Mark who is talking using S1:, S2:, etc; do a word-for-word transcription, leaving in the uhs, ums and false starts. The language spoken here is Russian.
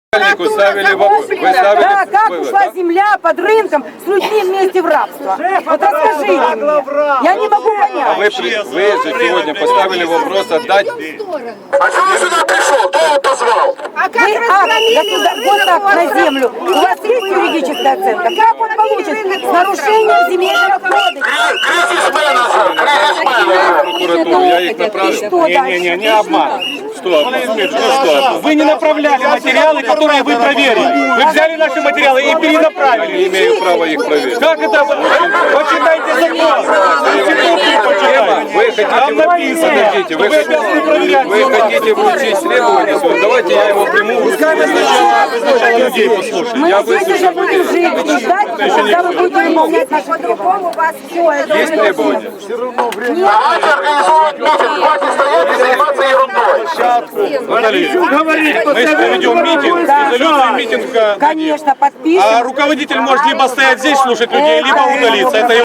S1: Ставили вопрос. Вы ставили
S2: Да, как
S1: вывод,
S2: ушла
S1: да?
S2: земля под рынком с людьми вместе в рабство? Вот расскажите мне. Я не могу
S1: А
S2: понять.
S1: вы, при- вы же сегодня поставили вопрос отдать.
S3: А что он сюда пришел? Кто его позвал?
S2: Вы акт государ- госакт на землю. У вас есть юридическая оценка? Как он получит с нарушением земельного кодекса?
S3: Кризис менеджер, кризис менеджер.
S1: Прокуратуру, я их направил.
S2: Что дальше?
S4: Не, не обман.
S1: Что? Ну что?
S4: Вы не направляли материалы, которые вы проверили. Вы взяли наши материалы и
S1: Я
S4: перенаправили.
S1: не имею права их проверить.
S4: Как это? Почитайте закон. Конституцию почитайте.
S1: Вы хотите,
S4: Там написано,
S1: подождите, вы,
S4: что вы обязаны проверять.
S1: вы хотите вручить требования свои? Давайте я его приму.
S4: Пускай вы сначала, вы сначала людей послушайте.
S2: Мы
S1: Я
S2: здесь
S1: выслушал.
S2: уже будем жить и ждать, когда вы будете выполнять наши требования.
S1: Есть требования?
S3: Давайте организовывать митинг. Хватит стоять и заниматься ерундой.
S4: Мы проведем митинг, резолюцию митинга.
S2: Конечно, подпишем.
S4: А руководитель может либо стоять здесь, слушать людей, либо удалиться. Это